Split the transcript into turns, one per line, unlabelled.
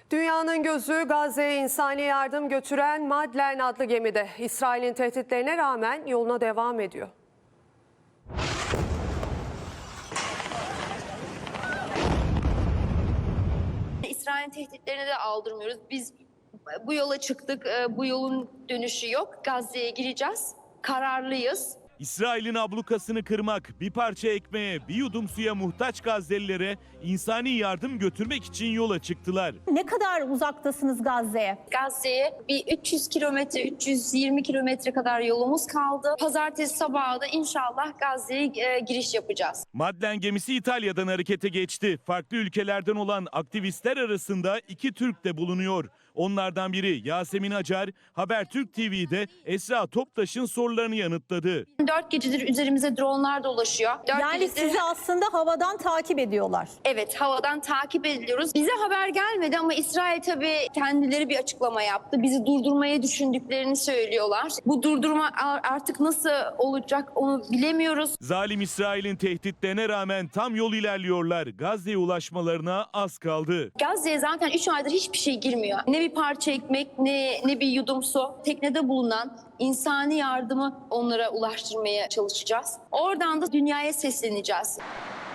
Dünyanın gözü Gazze'ye insani yardım götüren Madlen adlı gemide. İsrail'in tehditlerine rağmen yoluna devam ediyor.
İsrail'in tehditlerine de aldırmıyoruz. Biz bu yola çıktık, bu yolun dönüşü yok. Gazze'ye gireceğiz, kararlıyız.
İsrail'in ablukasını kırmak, bir parça ekmeğe, bir yudum suya muhtaç Gazelilere insani yardım götürmek için yola çıktılar.
Ne kadar uzaktasınız Gazze'ye?
Gazze'ye bir 300 kilometre, 320 kilometre kadar yolumuz kaldı. Pazartesi sabahı da inşallah Gazze'ye giriş yapacağız.
Madlen gemisi İtalya'dan harekete geçti. Farklı ülkelerden olan aktivistler arasında 2 Türk de bulunuyor. Onlardan biri Yasemin Acar, Habertürk TV'de Esra Toptaş'ın sorularını yanıtladı.
4 gecedir üzerimize dronlar dolaşıyor.
Yani sizi aslında havadan takip ediyorlar.
Evet, havadan takip ediliyoruz. Bize haber gelmedi ama İsrail tabii kendileri bir açıklama yaptı. Bizi durdurmayı düşündüklerini söylüyorlar. Bu durdurma artık nasıl olacak onu bilemiyoruz.
Zalim İsrail'in tehditlerine rağmen tam yol ilerliyorlar. Gazze'ye ulaşmalarına az kaldı.
Gazze'ye zaten 3 aydır hiçbir şey girmiyor. Ne bir parça ekmek ne bir yudum su. Teknede bulunan insani yardımı onlara ulaştırmaya çalışacağız. Oradan da dünyaya sesleneceğiz.